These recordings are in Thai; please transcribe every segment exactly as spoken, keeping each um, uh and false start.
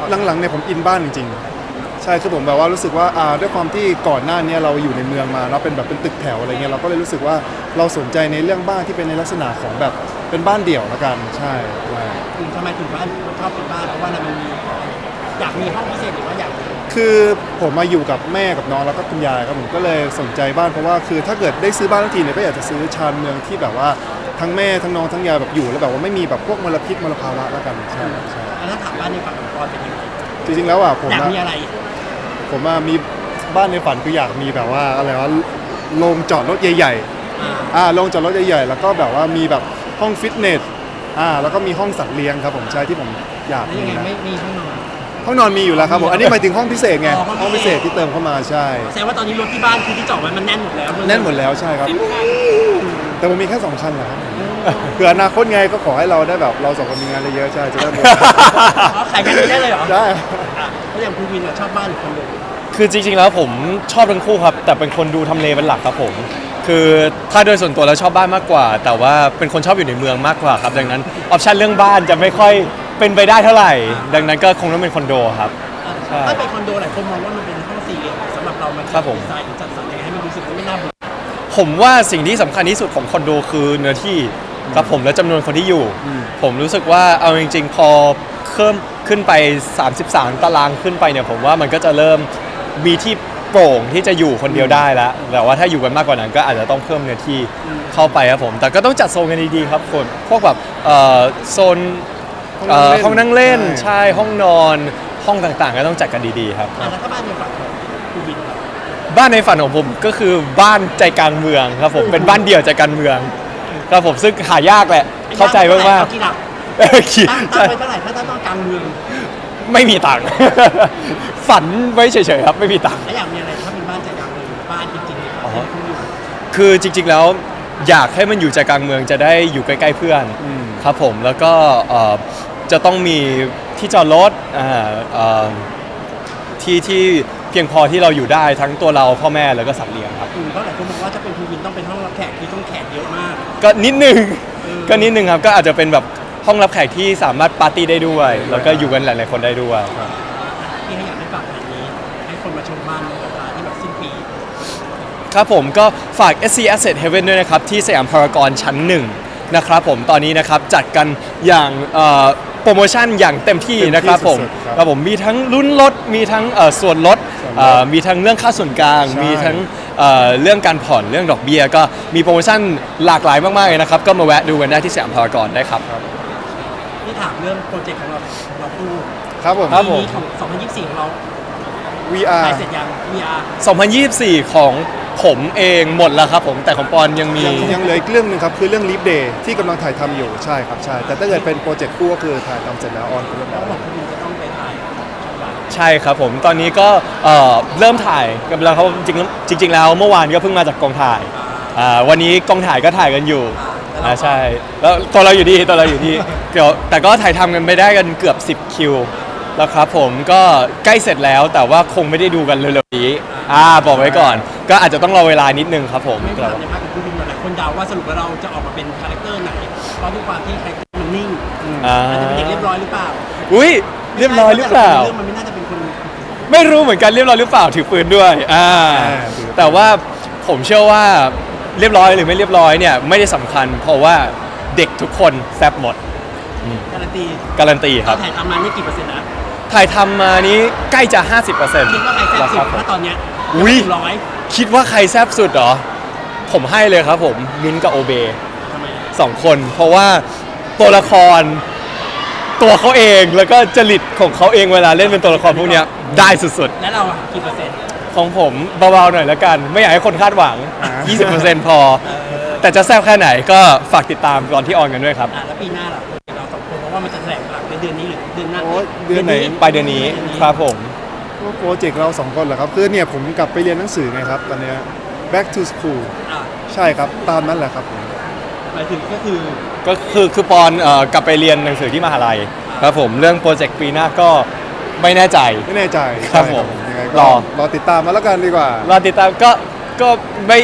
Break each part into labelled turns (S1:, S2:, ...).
S1: หลังๆเนี่ยผมอินบ้านจริงๆใช่คือผมแบบว่ารู้สึกว่าอ่าด้วยความที่ก่อนหน้านี้เราอยู่ในเมืองมาเนาะเป็นแบบเป็นตึกแถวอะไรเงี้ยเราก็เลยรู้สึกว่าเราสนใจในเรื่องบ้านที่เป็นในลักษณะของแบบเป็นบ้านเดี่ยวละกันใช่ใช่
S2: ถึงทำไมถึงบ้านชอบเป็นบ้านเพราะว่าอะไรมันมีอยากมีห้องพิเศษหรือว่าอยากมี
S1: คือผมมาอยู่กับแม่กับน้องแล้วก็คุณยายครับผมก็เลยสนใจบ้านเพราะว่าคือถ้าเกิดได้ซื้อบ้านทันทีเนี่ยก็อยากจะซื้อชานเมืองที่แบบว่าทั้งแม่ทั้งน้องทั้งยายแบบอยู่แล้วแบบว่าไม่มีแบบพวกมลพิษมลภาวะแล้วกันใช่ใช่
S2: แล้วถ้าถามบ้านในฝันของปอนเป็นยังไง
S1: จริงๆแล้วอ่ะผม
S2: อยาก
S1: อะ
S2: มีอะไร
S1: ผมอะมีบ้านในฝันคืออยากมีแบบว่าอะไรวะโรงจอดรถใหญ่ๆอ่าโรงจอดรถใหญ่ๆแล้วก็แบบว่ามีแบบห้องฟิตเนสอ่าแล้วก็มีห้องสัตว์เลี้ยงครับผมใช่ที่ผมอยาก
S2: แล้ว
S1: มี
S2: ยังไง
S1: นะ
S2: ไม่มีห้องนอน
S1: ห้องนอนมีอยู่แล้วครับผมอันนี้หมายถึงห้องพิเศษไง
S2: อ๋อห้
S1: ห้
S2: อ
S1: อง ง
S2: พิ
S1: พิ
S2: เศ
S1: เศ
S2: ษ
S1: ษที่เติมเข้ามาใช่
S2: แสดงว่าตอนนี้รถที่บ้านคือที่จอดไว้มันแน่นหมดแล้ว
S1: แน่นหมดแล้วใช่ครับแต่ผมมีแค่สองคันแหละครับเผื่ออนาคตไงก็ขอให้เราได้แบบเราสองคนมีงานเยอะๆใช่จะได้หมด
S2: อ๋อขายกันได้เลยเหรอ
S1: ได้
S2: อ่ะแล้วอย่างคุณวินอะชอบบ้านหรือคอนโด
S3: คือจริงๆแล้วผมชอบทั้งคู่ครับแต่เป็นคนดูทำเลเป็นหลักครับผมคือถ้าโดยส่วนตัวแล้วชอบบ้านมากกว่า แต่ว่าเป็นคนชอบอยู่ในเมืองมากกว่าครับดังนั้นออปชันเรื่องบ้านจะไม่ค่อยเป็นไปได้เท่าไหร่ ดังนั้นก็คงต้องเป็นคอนโดครับ ใช่
S2: ถ้าเป็นคอนโดหลายคนมองว่ามันเป็นห้องสี่เหลี่ยมสำหรับเรามัน
S3: ครับผม
S2: ดีไซน์หรือจัดสรรยังไงให้มันรู้สึกว่าไม่น่าเบื่อ
S3: ผมว่าสิ่งที่สำคัญที่สุดของคอนโดคือเนื้อที่ครับผมและจำนวนคนที่อยู่ ผมรู้สึกว่าเอาจริงๆ พอเพิ่มขึ้นไปสามสิบสามตารางขึ้นไปเนี่ยผมว่ามันก็จะเริ่มมีที่โปร่งที่จะอยู่คนเดียวได้แล้วแต่ว่าถ้าอยู่กันมากกว่านั้นก็อาจจะต้องเพิ่มเนื้อที่เข้าไปครับผมแต่ก็ต้องจัดโซนกันดีๆครับคนพวกแบบเอ่อโซนเอ่อห้องนั่งเล่นใช่ห้องนอนห้องต่างๆ ก็ต้องจัดกันดีๆครับ
S2: อ่ะแล้วถ้าบ้านในฝันของคุณวินล่ะ
S3: บ้านในฝันของผมก็คือบ้านใจกลางเมืองครับผมเป็นบ้านเดี่ยวใจกลางเมืองครับผมซึ่งหายากแหละเข้าใจมาก
S2: เอกี่หลัก
S3: ๆเออคิด
S2: ตั้ง
S3: ใช่
S2: ตั้งไว้เท่าไหร่ถ้าต้องกลางเมือง
S3: ไม่มีตังค์ ฝันไว้เฉยๆครับไม่มีตังค์
S2: แล้วอยากมีอะไรถ้าเป็นบ้านใจกลางเมืองบ้านจริงๆเลย
S3: อ๋อ
S2: ให้คุณอยู่
S3: คือจริงๆแล้วอยากให้มันอยู่ใจกลางเมืองจะได้อยู่ใกล้ๆเพื่อนครับผมแล้วก็เอ่อจะต้องมีที่จอดรถอ่าเอ่อที่ที่เพียงพอที่เราอยู่ได้ทั้งตัวเราพ่อแม่แล้วก็สัตว์เลี้ยงครับ
S2: อืมเพราะหลายคนบอกว่าถ้าเป็นคุณวินต้องเป็นห้องรับแขกคือต้องแขกเยอะมาก
S3: ก็นิดนึง
S2: เออ
S3: ก็นิดนึงครับก็อาจจะเป็นแบบห้องรับแขกที่สามารถปาร์ตี้ได้ด้วย แล้วก็อยู่กันหลายๆคนได้ด้วย
S2: ที่ให้อยากให้ฝากงานนี้ให้คนมาชมบ้านในราคาที่แบบสิ้นปี
S3: ครับผมก็ฝาก เอส ซี Asset Heaven ด้วยนะครับ ที่สยามพารากอนชั้นหนึ่งนะครับผมตอนนี้นะครับจัดกันอย่างเอ่อโปรโมชั่นอย่างเต็มที่นะครับผม
S1: เต็มที่สุดๆครับ
S3: ครับผมมีทั้งลุ้นลดมีทั้งเอ่อส่วนลด
S1: ส่วนลด
S3: เอ่อมีทั้งเรื่องค่าส่วนกลาง
S1: ใช่
S3: มีทั้งเอ่อเรื่องการผ่อนเรื่องดอกเบี้ยก็มีโปรโมชั่นหลากหลายมากๆเลยนะครับก็มาแวะดูกันได้ที่สยามพารากอนได้ครับ
S2: ที่ถามเรื่องโปรเจกต์ของเราของเราคู่
S1: ครับผม
S3: ครับ
S2: ปีนี้ของสองพันยี่สิบสี่ของเรา
S1: วี อาร์
S2: ถ่ายเสร็จยัง วี อาร์
S3: สองพันยี่สิบสี่ของผมเองหมดแล้วครับผมแต่ของปอนยังมี
S1: ยังยังเหลืออีกเรื่องหนึงครับคือเรื่อง Leap Day ที่กำลังถ่ายทำอยู่ใช่ครับใช่แต่ถ้าเกิดเป็นโปรเจกต์คู่ก็คือถ่ายทำเสร็จแล้วออนไปเรียบ
S2: แล้
S1: ร้
S2: ว
S1: อย
S2: บอกคุณวินจะต้องไปถ่ายของช่องวัน
S3: ใช่ครับผมตอนนี้ก็เอ่อเริ่มถ่ายกันแล้วเขาจริงๆจริง ๆ แล้วเมื่อวานก็เพิ่งมาจากกองถ่ายอ่าวันนี้กองถ่ายก็ถ่ายกันอยู่อ่าใช่แล้วตัวเราอยู่ที่ตัวเราอยู่ที่เดี๋ยวแต่ก็ถ่ายทำกันไปได้กันเกือบสิบคิวแล้วครับผมก็ใกล้เสร็จแล้วแต่ว่าคงไม่ได้ดูกันเร็วๆนี้อ่าบอกไว้ก่อน ก็อาจจะต้องรอเวลานิดนึงครับผม
S2: ไม่ถามในภาคของคุณวินหลายคนเดาว่าสรุปว่าเราจะออกมาเป็นคาแรคเตอร์ไหนเพราะด้วยความที่คาแรคเตอร์มันนิ่ง
S3: อ่า
S2: อาจจะเป็นเด็กเรียบร้อยหรือเปล่า
S3: อุ้ยเรียบร้อยหรือเปล่า
S2: เรื่องมันไม่น่าจะเป็นคน
S3: ไม่รู้เหมือนกันเรียบร้อยหรือเปล่าถือปืนด้วยอ่าแต่ว่าผมเชื่อว่าเรียบร้อยหรือไม่เรียบร้อยเนี่ยไม่ได้สำคัญ เพราะว่าเด็กทุกคนแซ่บหมด
S2: การันตี
S3: การันตีครับ
S2: ถ่ายทำมานี่กี่เปอร์เซ็นต์นะ
S3: ถ่ายทำมานี้ใกล้จะ ห้าสิบเปอร์เซ็นต์
S2: คิดว่าใครแซ่บสุดถ้าตอนเนี้ย
S3: อุ้ย
S2: ถึงร้อย
S3: คิดว่าใครแซ่บสุดเหรอ ผมให้เลยครับผมมิ้นท์กับโอเบ
S2: ทำไมอะ
S3: สองคน เพราะว่าตัวละครตัวเขาเองแล้วก็จริตของเขาเองเวลาเล่นเป็นตัวละครพวกเนี้ยได้สุด
S2: แล้วเราอะกี่เปอร์เซ็นต์
S3: ๆ ของผมเบาๆหน่อยแล้วกัน ไม่อยากให้คนคาดหวัง
S1: อ่า
S3: ยี่สิบเปอร์เซ็นต์ พอ
S2: เออ
S3: แต่จะแซ่บแค่ไหนก็ฝากติดตามตอนที่ออนกันด้วยครับ
S2: อ่ะแล้วปีหน้าล่ะเราสองคนเพราะว่ามันจะแถลงหลังในเดือนนี้หรือเดือนหน้า
S1: โอ้ยเดือนไหน
S3: ปลายเดือนนี้ครับผม
S1: โปรเจกต์เราสองคนเหรอครับคือเนี่ยผมกลับไปเรียนหนังสือไงครับตอนเนี้ย back to school
S2: อ่ะ
S1: ใช่ครับตามนั้นแหละครับผม
S2: หมายถึงก็คือ
S3: ก็คือคือปอนเอ่อกลับไปเรียนหนังสือที่มหาลัยครับผมเรื่องโปรเจกต์ปีหน้าก็ไม่แน่ใจ
S1: ไม่แน่ใจ
S3: ครับ
S1: ใช่
S3: ผม
S1: ยังไง
S3: ร
S1: ก็
S3: อ
S1: รอติดตามมาแล้วกันดีกว่า
S3: รอติดตามก็ก็ไม่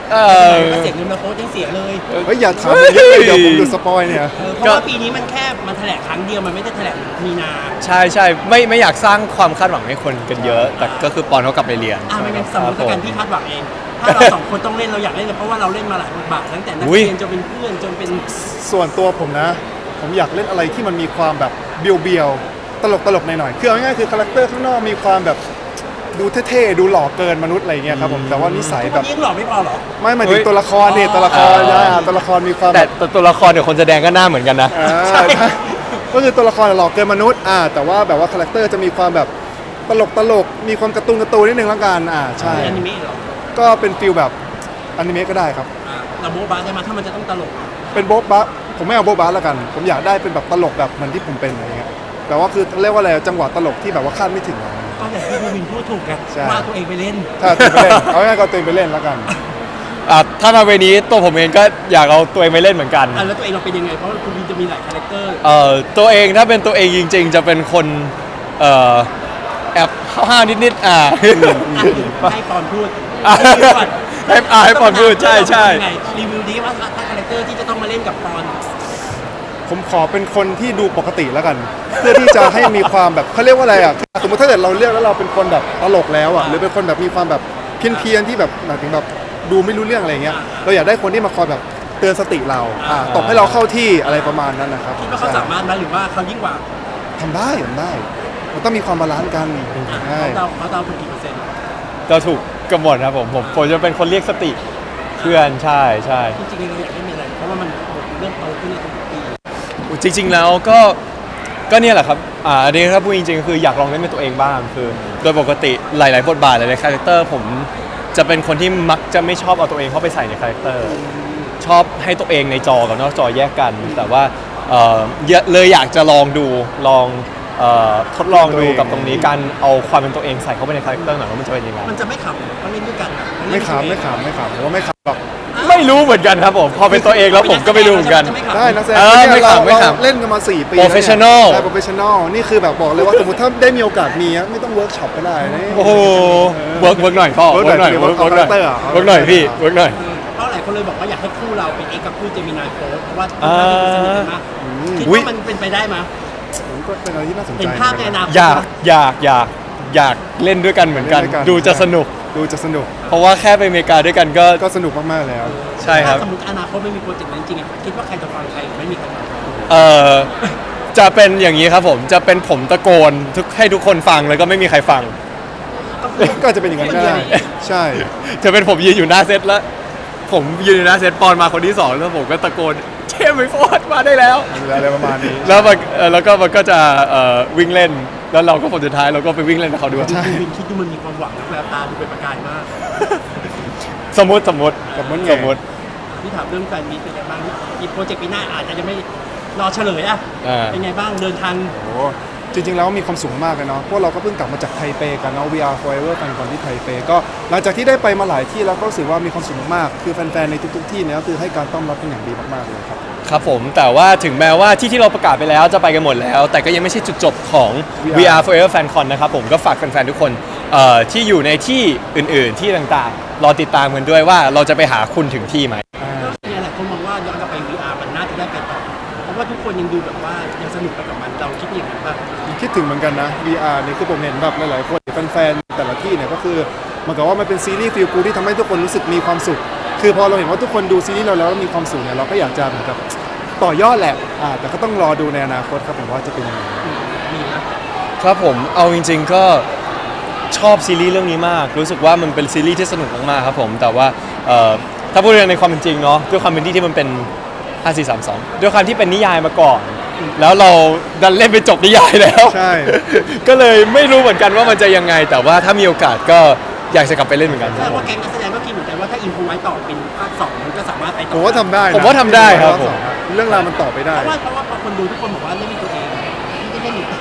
S3: เออ
S2: ก็เสียเงินมาโค้ชยังเสียเลย
S1: เฮ้ยอย่าถามเยอะเลยเดี๋ยวผมดูสปอยเนี่ย
S2: เออเพราะว่าปีนี้มันแค่มันแถลงครั้งเดียวมันไม่ได้แถลงมีนา
S3: ใช่ใช่ไม่ไม่อยากสร้างความคาดหวังให้คนกันเยอะ แต่ก็คือปอนเขากลับไปเรียน
S2: อ่ะไม่งั้นสมมติ
S3: ครับ
S2: การ
S3: ผม
S2: พี่คาดหวังเอง ถ้าเราสองคนต้องเล่นเราอยากเล่นเลยเพราะว่าเราเล่นมาหลายบทบาทตั้งแต่นัก
S3: อุ๊ย
S2: เรียนจนเป็นเพื่อนจนเป็น
S1: ส่วนตัวผมนะ ผมอยากเล่นอะไรที่มันมีความแบบเบียวๆตลกตลกๆหน่อยๆคือเอาง่ายๆคือคาแรคเตอร์ข้างนอกมีความแบบดูเท่ๆดูหล่อเกินมนุษย์อะไรเงี้ยครับผมแต่ว่านิสัย
S2: ทุก
S1: แบ
S2: วัน
S1: บ
S2: นี้ยังหล่อไม่พอเหรอ
S1: ไม่หมายถึงตัวละครเนี่ย
S2: อ๋อ
S1: ตัวละครนะตัวละครมีความ
S3: แต่
S1: แบบ
S3: แต่ตัวละครเดี๋ยวคนแสดงก็หน้าเหมือนกันนะ
S1: อ่าใช่ก็คือตัวละครหล่อเกินมนุษย์อ่าแต่ว่าแบบว่าคาแรคเตอร์จะมีความแบบตลกตลกๆมีความการ์ตูนการ์ตูนนิดนึงแล้วกันอ่าใช่
S2: เป็นอนิเมะเหรอ
S1: ก็เป็นฟิลแบบอนิเมะก็ได้ครับ
S2: อ่ะเราโบ๊ะบ้าได้มาถ้ามันจะต้องตลกอ่ะ
S1: เป็นโบ๊ะบะผมไม่เอาโบ๊ะบะแล้วกัน ผมอยากได้เป็นแบบตลกแบบเหมือนที่ผมเป็นอะไรเงี้ยแต่ว่าคือเรียกว่าอะไรจังหวะตลกที่แบบว่าคาดไม่ถึงอะ
S2: ก็อย่างที่พี่วินพูดถูกกัน
S1: ใช่
S2: ว่าตัวเองไปเล่น
S1: ถ้าตัวไปเล่นเอาง่ายๆก็ตัวเองไปเล่นแล้วกัน
S3: อ่ะถ้ามาเวนี้ตัวผมเองก็อยากเอาตัวเองไปเล่นเหมือนกัน
S2: อ่ะแล้วตัวเองเราเป็นยังไงเพราะว่าคุณวินจะมีหลายคาแรคเตอร์
S3: เอ่อตัวเองถ้าเป็นตัวเองจริง ๆ จะเป็นคนเอ่อแอบห้าวๆนิดๆอ่า
S2: อ่ะให้ปอนพูด
S3: อ่ะ
S2: รีวิวก่อน
S3: ให้อ่ะให้ปอนพูดใช่ใช่
S2: ยังไงรีวิวดีว่าถ้าคาแรคเตอร์ที่จะต้องมาเล่นกับปอน
S1: ผมขอเป็นคนที่ดูปกติแล้วกัน เพื่อที่จะให้มีความแบบเขาเรียกว่าอะไรอ่ะสมมติถ้าเกิดเราเลือกแล้วเราเป็นคนแบบตลกแล้วอ่ะหรือเป็นคนแบบมีความแบบเพี้ยนเพียนๆที่แบบหมายถึงแบบดูไม่รู้เรื่องอะไรเงี้ยเราอยากได้คนที่มาคอยแบบเตือนสติเราอ่าตบให้เราเข้าที่อะไรประมาณนั้นนะครับ
S2: คิดว่าเขาสามารถไหมหรือว่าเขายิ่งกว่า
S1: ทำได้ทำได้มันต้องมีความบาลานซ์กัน
S2: อ่ะ
S1: ใช่
S2: เขาเดาเขาเดาถูกกี่เปอร์เซ็นต์
S3: ก็ถูกกำหนดครับผมผมผมจะเป็นคนเรียกสติเพื่อนใช่ใช่
S2: จริงๆเราอยากเล่นอะไรเพราะว่ามันเริ่มโตขึ้นในทุกปี
S3: จริง ๆ แล้วก็ก็เนี่ยแหละครับอ่าอันนี้ถ้าพูดจริงๆคืออยากลองเล่นเป็นตัวเองบ้างคือ โดยปกติหลาย ๆ บทบาทหลายๆคาแรคเตอร์ผมจะเป็นคนที่มักจะไม่ชอบเอาตัวเองเข้าไปใส่ในคาแรคเตอร์ชอบให้ตัวเองในจอกับนอกจอแยกกัน แต่ว่าเอ่อเลยอยากจะลองดูลองเอ่อทดลองดูกับตรงนี้การเอาความเป็นตัวเองใส่เข้าไปในคาแรคเตอร์หน่อยว่ามันจะเป็นยังไง
S2: มันจะไม่ขำเพราะเล่นด้วยกันอะนเล่
S1: ไม่
S2: น
S1: ขำไม่ขำไม่ขำผมว่าไม่ขำหรอก
S3: ไม่รู้เหมือนกันครับผมพอเป็นตัวเองแล้วผมก็ไม่รู้เหมือนกัน
S2: จะไม่ขำ
S1: ได้นักแสดง
S3: เออ
S1: เนี่ย
S3: ไม่
S1: เรา
S3: ขำไม่
S1: เรา
S3: ขำ
S1: เล่นกันมาสี่ปี
S3: Professional
S1: ใช่ professional นี่คือแบบบอกเลยว่าสมมติถ้าได้มีโอกาสมีอะไม่ต้องเวิร์กช็อปก็ได้นะ
S3: โอ้โหเวิร์กเวิร์กหน่อยพ่อ
S1: เวิ
S3: เวิ
S1: ร์
S3: ร์
S1: ก
S3: ก
S1: ห
S3: ห
S1: น่
S3: น่
S1: อ
S3: อย ย
S1: เวิ
S3: เวิ
S1: ร์
S3: ร์
S1: ก
S3: ก
S1: เอา
S3: เวิร์กหน่อย
S1: character อะ
S3: เวิร์กหน่อยพี่เวิร์กหน่อย
S2: เพราะหลายคนเลยบอกว่าอยากให้คู่เราเป็นเอกกับคู่เจมินายโฟร์เพราะว่า
S3: อ่า
S2: สนิทกันมากคิด
S3: อุ๊ย
S2: ว่ามันเป็นไปได้ไหม
S1: ผมก็เป็นอะไรที่น่าสนใจ
S2: เห็นภาพในอนาคต
S3: อยากอยากอยากอยากเล่นด้วยกันเหมือนกัน
S1: เล่ด้วย
S3: ดูจะสนุก
S1: ดูจะสนุก
S3: เพราะว่าแค่ไปอเมริกาด้วยกันก็
S1: ก็สนุกมากๆแล้ว
S3: ใช่ครับ
S2: ถ้าสมมติอนาคตไม่มีโปรเจกต์นั้นจริงๆอะคิดว่าใครจะฟังใครไม่มีใครฟังใคร
S3: เออจะเป็นอย่างนี้ครับผมจะเป็นผมตะโกนทุกให้ทุกคนฟังแล้วก็ไม่มีใครฟัง
S1: ก็อาจจะเป็นอย่างนั้นก็ได้ใช่
S3: จะเป็นผมยืนอยู่หน้าเซตแล้ว ผมยืนอยู่หน้าเซตปอนมาคนที่สองแล้วผมก็ตะโกนเชมไอโฟนมาได้แล้ว
S1: อะไรประมาณนี้
S3: แล้วมันเอ่อแล้วก็มันก็จะเอ่อวิ่งเล่น แล้วเราก็ผลสุดท้ายเราก็ไปวิ่งเล่นกับเขาด้วย
S1: ใช่
S2: วินคิดดูมันมีความหวังนะแววตาดูเป็นประกายมาก
S3: สมมติสมมติ
S1: สมมติไง
S3: สมมติ
S2: ที่ถามเรื่องแฟนมีตเป็นไงบ้างอีกโปรเจกต์ปีหน้าอาจจะยังไม่รอเฉลยอะ
S3: อ่า
S2: เป็นไงบ้างเดินทาง
S1: โอ้จริงๆแล้วมีความสุขมากเลยเนาะพวกเราก็เพิ่งกลับมาจากไทเปกันเนาะ วี อาร์ Forever กันก่อนที่ไทเปก็หลังจากที่ได้ไปมาหลายที่แล้วก็รู้สึกว่ามีความสุขมากๆคือแฟนๆในทุกๆที่เนี่ยก็คือให้การต้อนรับเป็นอย่างดีมากๆเลยครับ
S3: ครับผมแต่ว่าถึงแม้ว่าที่ที่เราประกาศไปแล้วจะไปกันหมดแล้ว แต่ก็ยังไม่ใช่จุดจบของ
S1: วี
S3: วี
S1: อาร์
S3: อาร์ Forever Fan Con นะครับผมก็ฝากแฟนๆทุกคนเอ่อที่อยู่ในที่อื่นๆที่ต่างๆ รอติดตามกันด้วยว่าเราจะไปหาคุณถึงที่ไหม
S2: ก็เนี่ยหลายคนมองว่าย้อนกลับไป วี อาร์ มันน่าจะได้ไปต่อเพราะว่าทุกคนยังดูแบบว่ายังสนุกไปกับมันเราคิดอย่างนั้นป่ะ
S1: คิดถึงเหมือนกันนะ วี อาร์ นี่คือผมเห็นแบบหลายๆคนแฟนๆแต่ละที่เนี่ยก็คือเหมันกับว่ามันเป็นซีรีส์ฟีลกูที่ทำให้ทุกคนรู้สึกมีความสุข คือพอเราเห็นว่าทุกคนดูซีรีส์เราแล้วมีความสุขเนี่ยเราก็อยากจะเหมือนกับต่อยอดแหละอ่าแต่ก็ต้องรอดูในอนาคตครับผมว่าจะเป็นยังไง
S2: มีนะ
S3: ครับผมเอาจริงๆก็ชอบซีรีส์เรื่องนี้มาก รู้สึกว่ามันเป็นซีรีส์ที่สนุกมากๆครับผมแต่ว่าเอ่อถ้าพูดในความเป็นจริงเนาะด้วยความเป็นที่ที่มันเป็นห้า สี่ สาม สองด้วยความที่เป็นนิยายมาก่อน แล้วเราดันเล่นไปจบนิยายแล้ว
S1: ใช่
S3: ก็เลยไม่รู้เหมือนกันว่ามันจะยังไง แต่ว่าถ้ามีโอกาสก็อยากจะกลับไปเล่นเหมือนกัน
S2: แสดงว่าแก๊งนักแสดงก็คิดเหมือนกันว่าถ้าอินพูไว้ต่อเป็นภาคสองมันก็สามารถไปต่อ
S1: ผมว่าทำได้นะ
S3: ผมว่าทำได้ครับผม
S1: เรื่องราวมันต่อไปได้
S2: เพราะว่าเพราะว่าพอคนดูทุกคนบอกว่าเล่นเป็นตัวเองไม่ได้เล่นอยู่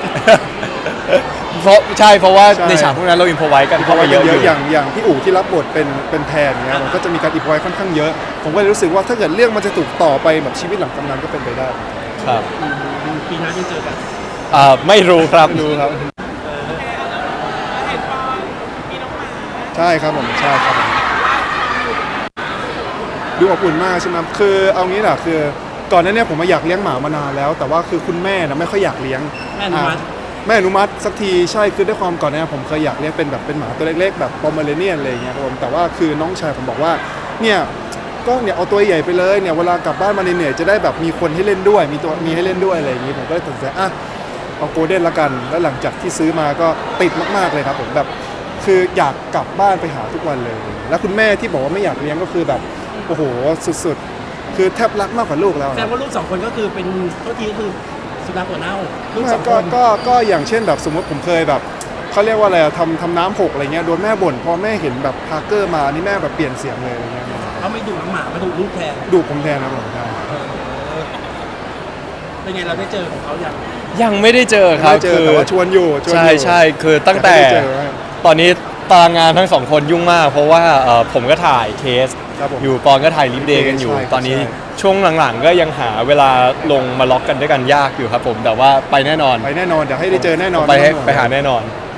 S3: เพราะใช่เพราะว่า
S1: ใช่
S3: ในฉากพวกนั้นเราอินพอไว้กัน
S1: เพ
S3: เข้า
S1: ราะ
S3: มา
S1: ว่า
S3: เย
S1: เย
S3: อะ
S1: อะ
S3: อยู่
S1: อย่างอย่างพี่อู๋ที่รับบทเป็นเป็นแทนเนี่ยมันก็จะมีการอินพอยค่อนข้างเยอะ ผมก็เลยรู้สึกว่าถ้าเกิดเรื่องมันจะถูกต่อไปแบบชีวิตหลังกำนันก็เป็นไปได้
S3: ครับ
S2: ปีหน้าจะเจอกัน
S3: อ่าไม่รู้ครับ
S1: ดูครับ ใช่ครับผมใช่ครับผมดูอบอุ่นมากใช่ไหมคือเอางี้แหละคือก่อนหน้านี้ผมมาอยากเลี้ยงหมามานานแล้ว แต่ว่าคือคุณแม่นะไม่ค่อยอยากเลี้ยง
S2: แม่อนุมัติ
S1: อ่ะแม่อนุมัติสักทีใช่คือด้วยความก่อนหน้านี้ผมเคยอยากเลี้ยงเป็นแบบเป็นหมาตัวเล็กๆแบบปอมเมอเรเนียนอะไรอย่างเงี้ยครับผมแต่ว่าคือน้องชายผมบอกว่าเนี่ยก็เนี่ยเอาตัวใหญ่ไปเลยเนี่ยเวลากลับบ้านมาเหนื่อยๆจะได้แบบมีคนให้เล่นด้วยมีตัวมีให้เล่นด้วยอะไรอย่างงี้ผมก็เลยตัดสินใจอ่ะเอาโกลเด้นละกันแล้วหลังจากที่ซื้อมาก็ติดมากๆเลยครับผมแบบคืออยากกลับบ้านไปหาทุกวันเลย แล้วคุณแม่ที่บอกว่าไม่อยากเลี้ยงก็คือแบบโอ้โหสุดๆคือแทบรักมากกว่าลูกแล้ว
S2: แสดงว่าลูกสองคนก็คือเป็นโทษทีก็คือสุนัขหัวเน่าลูก
S1: ไม่
S2: สองค
S1: ก็
S2: น
S1: ก็ก็อย่างเช่นแบบสมมติผมเคยแบบเขาเรียกว่าอะไรอะทำทำน้ำหกอะไรเงี้ยโดนแม่บ่นพอแม่เห็นแบบพาร์เกอร์มานี่แม่แบบเปลี่ยนเสียงเลยอะไรเงี้ย
S2: เขาไม่ดุน้องหมามาดุลูกแทน
S1: ดูผมแทนนะผมใช่
S2: เป็นไงเราได้เจอของเขาอย่าง
S3: ยังไม่ได้เจอครับ
S1: ไม่เจอ
S3: คือ
S1: แต่ว่าชวนอยู่ชวนอ
S3: ใช่
S1: ยู่
S3: ใช่คือตั้งแต่
S1: ไม่ได้เจอครับ
S3: ตอนนี้ตารางงานทั้งสองคนยุ่งมาก เพราะว่าเอ่อผมก็ถ่ายเคส
S1: ครับผม
S3: อยู่ปอนก็ถ่ายลิฟเดย์กันอยู่
S1: ใช่ครับ
S3: ตอนนี้
S1: ใช่
S3: ช่วงหลังๆ ก็ยังหาเวลาลงมาล็อกกันด้วยกันยากอยู่ครับผมแต่ว่าไปแน่นอน
S1: ไปแน่นอนเดี๋ยวให้ได้เจอแน่นอน
S3: ไปให้
S1: ม่ต้องวง
S3: ไปหาแน่นอน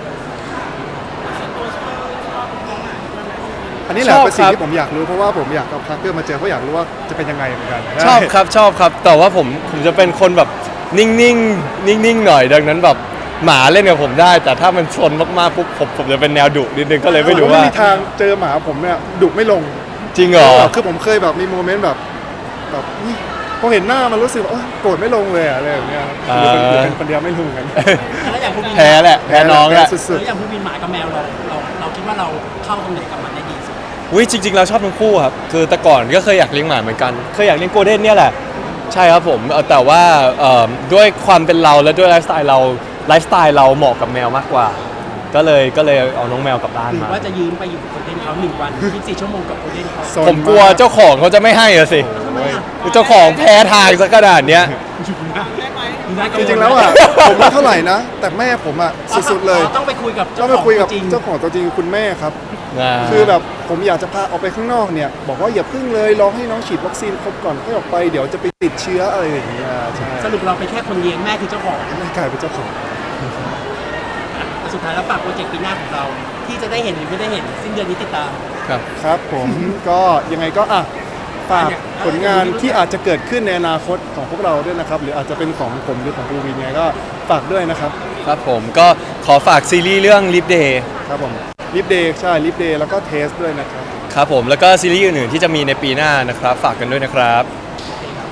S1: อันนี้แหละ
S3: ชอบ
S1: เป็นสิ่ง
S3: ครับ
S1: ที่ผมอยากรู้เพราะว่าผมอยากเอาพาร์เกอร์มาเจอเพราะอยากรู้ว่าจะเป็นยังไงเหมือนกัน
S3: ชอบครับชอบครับ แต่ว่าผมผมจะเป็นคนแบบนิ่งๆนิ่งๆหน่อยดังนั้นแบบหมาเล่นกับผมได้ แต่ถ้ามันชนมากๆปุ๊บผมผมจะเป็นแนวดุนิดนึงก็เลยไม่รู้ว่า
S1: ไม่มีทางเจอหมาผมเนี่ยดุไม่ลง
S3: จริงเหรอ
S1: คือผมเคยแบบมีโมเมนต์แบบแบบนี่พอเห็นหน้ามันรู้สึกว่าโอ๊ยโกรธไม่ลงเลยอะอะไรแบบเนี้ยหรือเป็นหรือเป็นคนเดียวไม่รู้เหมือนกัน
S2: แล้วอย่างผู้บิน
S3: แพ้แหละแพ้น้องแหละ
S1: สุ
S2: แล้
S1: ด
S2: วอย่างผู้บินหมากับแมวเราเราเราคิดว่าเราเข้าตรงไหนกับมันได้ดีสุด
S3: อุ้ยจริงๆเราชอบทั้งคู่ครับคือแต่ก่อนก็เคยอยากเลี้ยงหมาเหมือนกันเคยอยากเลี้ยงโกลเด้นเนี่ยแหละใช่ครับผมเอ่อแต่ว่าเอ่อด้วยความเป็นเราและด้วยไลฟ์สไตล์เราไลฟ์สไตล์เราเหมาะกับแมวมากกว่า ก็เลยก็เลยเอาน้องแมวกลับบ้าน
S2: หรือ
S3: มา
S2: ว่าจะยืมไปอยู่กับโคเดนเขาหนึ่งวันยี่สิบสี่ชั่วโมงกับโคเดนเขา
S1: ๆโซน
S3: ผมกลัวเจ้าของเขาจะไม่ให้อะสิ
S2: ทำไมอ่ะ
S3: เจ้าของแพ้ทางซะขนาดเนี้ย
S1: จริงๆแล้วอ่ะผมไม่เท่าไหร่นะ แต่แม่ผมอ่ะสุดๆเลย
S2: ต้องไปคุยกับ
S1: ต้อ
S2: เจ้าง ข
S1: ไป
S2: อง
S1: คุยกับ
S2: จริง
S1: เจ้าของตัวจริงคือคุณแม่ครับ
S3: อ่า
S1: คือแบบผมอยากจะพาออกไปข้างนอกเนี่ย บอกว่าอย่าพึ่งเลยรอให้น้องฉีดวัคซีนครบก่อนค่อยออกไปเดี๋ยวจะไปติดเชื้ออะไรอย่างเงี้ยใช่
S2: สรุปเราเป็นแค่คนเลี้ยงแม่คือเจ้าของ
S1: แม่กลายเป็นเจ้าของ
S2: แต่สุดท้ายแล้วฝากโปรเจกต์ปีหน้าของเรา ที่จะได้เห็นหรือไม่ได้เห็นสิ้นเดือนนี้ติดตาม
S3: ครับ
S1: ครับผมก็ยังไงก็อ่ะฝากผลงานที่อาจจะเกิดขึ้นในอนาคตของพวกเราด้วยนะครับ หรืออาจจะเป็นของผมหรือของภูวินเนี่ยก็ฝากด้วยนะครับ
S3: ครับผมก็ขอฝากซีรีส์เรื่อง Live Day
S1: ครับผมลิฟเดย์ใช่ลิฟเดย์แล้วก็เทสด้วยนะครับ
S3: ครับผมแล้วก็ซีรีส์อื่นๆที่จะมีในปีหน้านะครับ ฝากกันด้วยนะครับ